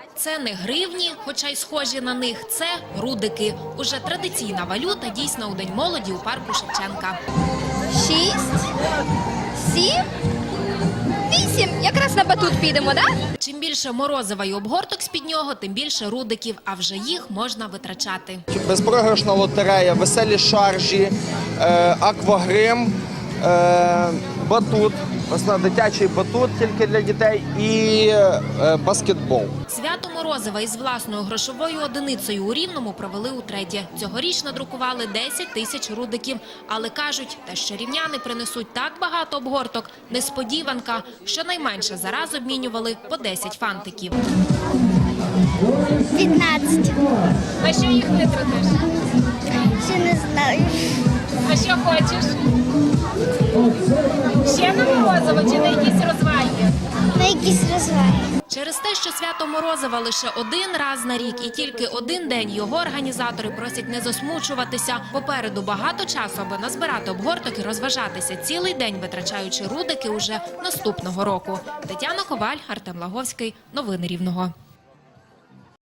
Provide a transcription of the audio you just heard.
Це не гривні, хоча й схожі на них, це рудики. Уже традиційна валюта дійсна у День молоді у парку Шевченка. 6, 7, 8. Якраз на батут підемо, так? Чим більше морозива й обгорток з-під нього, тим більше рудиків, а вже їх можна витрачати. Безпрограшна лотерея, веселі шаржі, аквагрим, батут, дитячий батут тільки для дітей і баскетбол. Свято морозива із власною грошовою одиницею у Рівному провели утретє. Цьогоріч надрукували 10 тисяч рудиків. Але кажуть, те, що рівняни принесуть так багато обгорток – несподіванка. Щонайменше за раз обмінювали по 10 фантиків. 15. А що їх витратиш? Ще не знаю. А що хочеш? Ще на морозиво чи на якісь розваги? На якісь розваги. Через те, що свято Морозива лише один раз на рік і тільки один день, його організатори просять не засмучуватися. Попереду багато часу, аби назбирати обгорток і розважатися цілий день, витрачаючи рудики уже наступного року. Тетяна Коваль, Артем Лаговський. Новини Рівного.